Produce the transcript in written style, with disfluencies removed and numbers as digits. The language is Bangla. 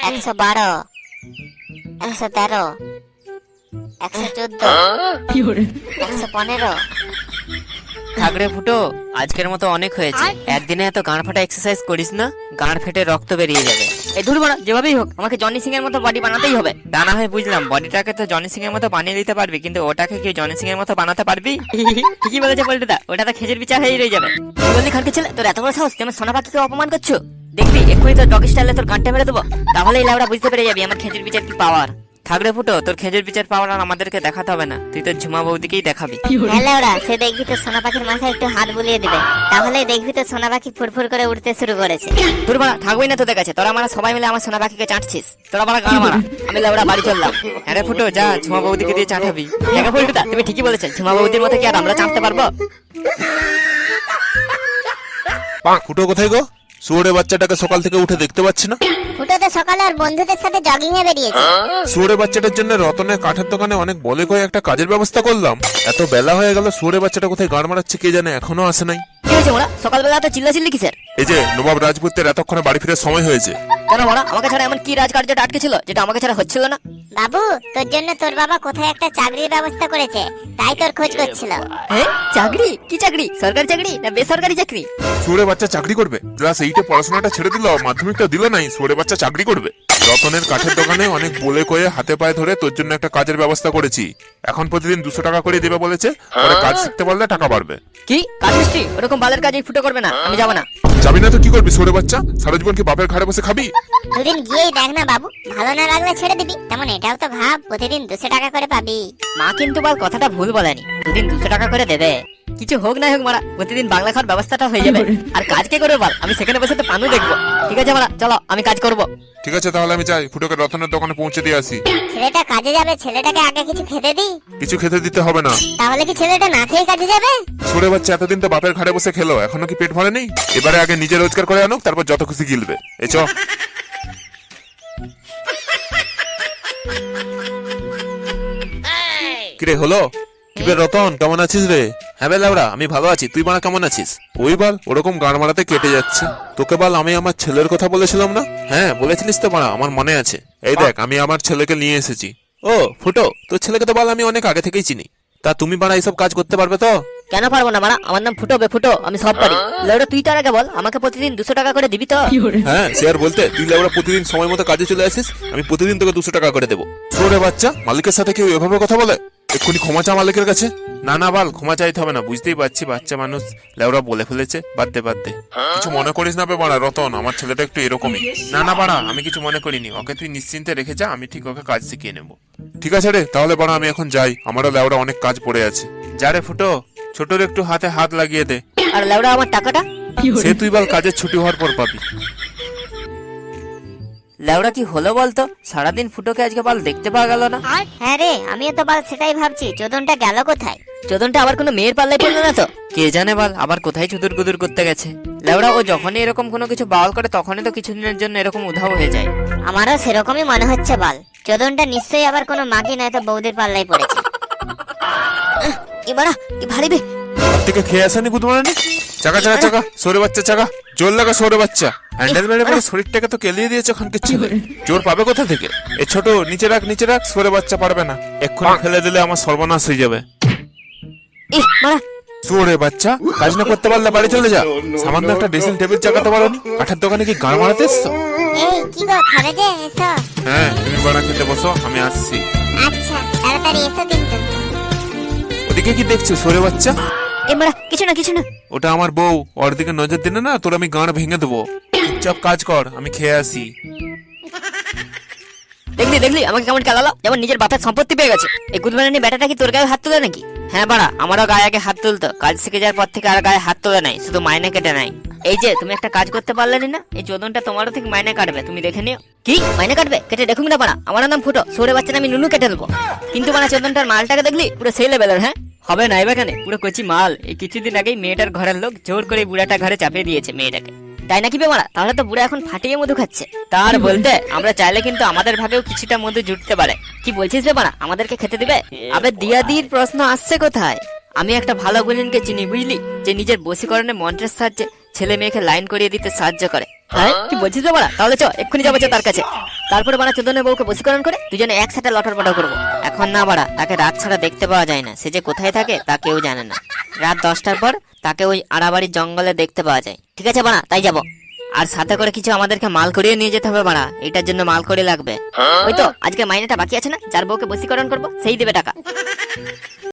112, 113, 114, 115। থাকরে ফুটো, আজকের মতো অনেক হয়েছে। একদিনে এত গাঁড় ফাটা এক্সারসাইজ করিস না, গাঁড় ফেটে রক্ত বেরিয়ে যাবে। এই ধুর বড়া, যেভাবেই হোক আমাকে জনি সিং এর মতো বডি বানাতেই হবে। তা না হয় বুঝলাম, বডিটাকে তো জনি সিং এর মতো বানিয়ে দিতে পারবি, কিন্তু ওটাকে কি জনি সিং এর মতো বানাতে পারবি? ঠিকই বলেছে পল্টুদা, ওটা তো খেজুর বিচার হয়ে রয়ে যাবে। কি বললি খানকে ছেলে, তোর এত বড় সাহস, তুমি সোনা পাখিকে অপমান করছো? দেখবি এক্ষুনি তোর ডগ স্টাইলে তোর গানটা মেরে দেবো, তাহলেই লাউড়া বুঝতে পেরে যাবি আমার খেজুর বিচার কি পাওয়ার। থাকরে ফুটো, তোর খেজুর বিচার পাওয়ার আর আমাদেরকে দেখাতে হবে না, তুই তোর ঝুমা বৌদিকেই দেখাবি। হ্যাঁ ওরা, সে দেখবি তো সোনা পাখির মাথায় একটু হাত বুলিয়ে দিবে, তাহলে দেখবি তো সোনা পাখি ফুরফুর করে উঠতে শুরু করেছে। ধুর বড়া, থাকবই না তোদের কাছে, তোরা আমরা সবাই মিলে আমার সোনা পাখিকে চাটছিস। তোরা বড়া গান মারা, আমি লাউড়া বাড়ি চললাম। হ্যাঁ রে ফুটো, যা ঝুমা বৌদিকে দিয়ে চাটাবি। দেখো পল্টুদা, তুমি ঠিকই বলেছেন, ঝুমা বৌদির মতো কি আর আমরা চাটতে পারবো? ফুটো কোথায় গো? শুয়োরে বাচ্চাটাকে সকাল থেকে উঠে দেখতে পাচ্ছি না। ফুটো তো সকালে আর বন্ধুদের সাথে জগিং এ বেরিয়েছে। শুয়োরে বাচ্চাটার জন্য রতনের কাঠের দোকানে অনেক বলে কয়ে একটা কাজের ব্যবস্থা করলাম, এত বেলা হয়ে গেল, শুয়োরে বাচ্চাটা কোথায় গান মারাচ্ছে কে জানে, এখনো আসে নাই। কি হয়েছে ওরা, সকালবেলা তো চিল্লাচিল্লি কিসের? এই যে নবাব রাজপুতের এতক্ষণে বাড়ি ফিরে সময় হয়েছে। কেন বড়া, আমাকে ছাড়া এমন কি রাজকার্যটা আটকে ছিল যেটা আমাকে ছাড়া হচ্ছিল না? বাবু, তোর জন্য তোর বাবা কোথায় একটা চাকরির ব্যবস্থা করেছে, তাই তোর খোঁজ করছিল। হ্যাঁ, চাকরি? কি চাকরি? সরকারি চাকরি না বেসরকারি চাকরি? শুয়োরে বাচ্চা চাকরি করবে, ক্লাস 8-এ পড়াশোনাটা ছেড়ে দিল, মাধ্যমিকটা দিল নাই, শুয়োরে বাচ্চা চাকরি করবে। রতনের কাঠের দোকানে অনেক বলে কয়ে হাতে পায়ে ধরে তোর জন্য একটা কাজের ব্যবস্থা করেছি। এখন প্রতিদিন 200 টাকা করে দেবে বলেছে, পরে কাজ শিখতে পারলে টাকা বাড়বে। কি কাজ মিস্ত্রি? ওরকম বালের কাজ এই ফুটো করবে না, আমি যাবো না। যাবি না তো কি করবি শুয়োরে বাচ্চা? সারা জীবন কি বাপের ঘাড়ে বসে খাবি? দুদিন গিয়েই দেখ না বাবু, ভালো না লাগলে ছেড়ে দিবি, তেমন এটাও তো ভাব প্রতিদিন 200 টাকা করে পাবি। মা কিন্তু বল কথাটা ভুল বলেনি, দুদিন 200 টাকা করে দেবে। কিছু হোক না হোক মারা, প্রতিদিন বাংলা খাওয়ার ব্যবস্থাটা হয়ে যাবে। আর কাজ কে করবে বল? আমি সেখানে বসে তো পানু দেখবো। ঠিক আছে মারা, চলো আমি কাজ করব। ঠিক আছে, তাহলে আমি যাই, ফুটোকে রতনের দোকানে পৌঁছে দিয়ে আসি। ছেলেটা কাজে যাবে, ছেলেটাকে আগে কিছু খেতে দি। কিছু খেতে দিতে হবে না। তাহলে কি ছেলেটা না খেয়ে কাজে যাবে? শুয়োরে বাচ্চা এতদিন তো বাপের ঘাড়ে বসে খেলো, এখনো কি পেট ভরে নেই? এবারে আগে নিজে রোজগার করে আনুক, তারপর যত খুশি গিলবে। এ চ। কিরে হলো? কিরে রতন, কেমন আছিস রে? হ্যাঁ বে লাউড়া, আমি ভালো আছি, তুই বাড়া কেমন আছিস? ওই বল, ওরকম গান মারাতে কেটে যাচ্ছে। তোকে বল, আমি আমার ছেলের কথা বলেছিলাম না? হ্যাঁ বলেছিলিস তো বাড়া, আমার মনে আছে। এই দেখ, আমি আমার ছেলেকে নিয়ে এসেছি। ও ফুটো, তোর ছেলেকে তো বল আমি অনেক আগে থেকেই চিনি। তা তুমি বাড়া এইসব কাজ করতে পারবে তো? কেন পারবো না মারা, আমার নাম ফুটো বে ফুটো, আমি সব পারি। লেউড়া তুই তার আগে বল, আমাকে প্রতিদিন 200 টাকা করে দিবি তো? হ্যাঁ সে আর বলতে, তুই লেবরা প্রতিদিন সময় মতো কাজে চলে আসিস, আমি প্রতিদিন তোকে 200 টাকা করে দেবো। শুয়োরে বাচ্চা, মালিকের সাথে কেউ এভাবে কথা বলে? এক্ষুনি ক্ষমা চা মালিকের কাছে। না না বাল, ক্ষমা চাইতে হবে না, বুঝতেই পারছি বাচ্চা মানুষ, লেবরা বলে ফেলেছে, বাদ দে বাদ দে। কিছু মনে করিস না বে বাড়া রতন, আমার ছেলেটা একটু এরকমই। না না বাড়া, আমি কিছু মনে করিনি, ওকে তুই নিশ্চিন্তে রেখে যা, আমি ঠিক ওকে কাজ শিখিয়ে নেবো। ঠিক আছে রে, তাহলে বাড়া আমি এখন যাই, আমারও লেবরা অনেক কাজ পড়ে আছে। যা রে ফুটো, ছোটর একটু হাতে হাত লাগিয়ে দে। আর লেউড়া আমার টাকাটা? সে তুই বল কাজের ছুটি হওয়ার পর পাবি। লেওড়া কি হলো বলতো, সারাদিন ফুটোকে আজকে বাল দেখতে পাওয়া গেল না। হ্যাঁ রে, আমিও তো বাল সেটাই ভাবছি, চোদনটা গেল কোথায়? চোদনটা আবার কোনো মেয়ের পাল্লায় পড়লো না তো? কে জানে বাল, আবার কোথায় চুদুর গুদুর করতে গেছে। লেওড়া ও যখনই এরকম কোনো কিছু বাউল করে, তখনই তো কিছুদিনের জন্য এরকম উধাও হয়ে যায়। আমারও সেরকমই মনে হচ্ছে বাল, চোদনটা নিশ্চয়ই আবার কোনো মাগি নয়তো বৌদির পাল্লায় পড়েছে। এবারা কি ভারী বে। থেকে খেয়ে আসেনি বুধমারানি? চাকা চাকা চাকা, সরে বাচ্চা চাকা, জোর লাগা সরে বাচ্চা। হ্যান্ডেল মেরে মেরে শরীরটাকে তো কেলিয়ে দিয়েছে ওখানকে ছেলে, জোর পাবে কোথা থেকে? এ ছোট, নিচে রাখ নিচে রাখ, সরে বাচ্চা পারবে না, এক্ষুনি ফেলে দিলে আমার সর্বনাশ হয়ে যাবে। মারা সরে বাচ্চা, কাজ না করতে পারলে বাড়ি চলে যা। সামান্য একটা ড্রেসিং টেবিল চাকাতে পারোনি, কাঠের দোকানে কি গান মারাতে এসছো? এই কি গো, খাবে যে? এসো। হ্যাঁ তুমি বাড়া খেতে বসো, আমি আসছি। আচ্ছা, তাড়াতাড়ি এসো কিন্তু। ওদিকে কি দেখছো সরে বাচ্চা? এবারা কিছু না কিছু না। ওটা আমার বউ, ওর দিকে নজর দিলে না তোর আমি গান ভেঙে দেবো। চুপচাপ কাজ কর, আমি খেয়ে আসি। দেখলি দেখলি আমাকে কেমন খেলালো, যেমন নিজের বাপের সম্পত্তি পেয়ে গেছে। এই গুদমারানি বেটাটা কি তোর গায়ে হাত তুলে নাকি? হ্যাঁ বাড়া, আমারও গায়ে আগে হাত তুলতো, কাজ শিখে যাওয়ার পর থেকে আর গায়ে হাত তোলে নাই, শুধু মাইনে কেটে নাই। এই যে তুমি একটা কাজ করতে পারলে না, এই চোদনটা তোমারও ঠিক মাইনে কাটবে, তুমি দেখে নিও। কি মাইনে কাটবে? কেটে দেখুন না বাড়া, আমার নাম ফুটো, সরে বাচ্চা আমি নুনু কেটে দেবো। কিন্তু বাড়া চোদনটার মালটাকে দেখলি পুরো সেই লেভেলের। হ্যাঁ হবে না এবার, পুরো কচি মাল। এই কিছুদিন আগেই মেয়েটার ঘরের লোক জোর করে বুড়াটা ঘরে চাপিয়ে দিয়েছে মেয়েটাকে। তাই নাকি বে মারা? তাহলে তো বুড়া এখন ফাটিয়ে মধু খাচ্ছে। তার বলতে আমরা চাইলে কিন্তু আমাদের ভাগেও কিছুটা মধু জুটতে পারে। কি বলছিস বে মারা, আমাদেরকে খেতে দিবে? আবে দিয়াদির প্রশ্ন আসছে কোথায়? আমি একটা ভালো গুলিনকে চিনি বুঝলি, যে নিজের বশীকরণে মন্ত্রের সাহায্যে ছেলে মেয়েকে লাইন করিয়ে দিতে সাহায্য করে। হ্যাঁ কি বলছিস বে মারা? তাহলে চ, এক্ষুনি যাবো তার কাছে। তারপরে বাড়া চোদনের বউকে বশীকরণ করে দুজনে একসাথে লটর পটর করবো। এখন না বাড়া, তাকে রাত ছাড়া দেখতে পাওয়া যায় না, সে যে কোথায় থাকে তা কেউ জানে না। রাত 10টার পর তাকে ওই আড়াবাড়ির জঙ্গলে দেখতে পাওয়া যায়। ঠিক আছে বাড়া, তাই যাবো। আর সাথে করে কিছু আমাদেরকে মাল করিয়ে নিয়ে যেতে হবে বাড়া, এটার জন্য মাল করি লাগবে। ওই তো আজকে মাইনেটা বাকি আছে না, যার বউকে বশীকরণ করবো সেই দেবে টাকা।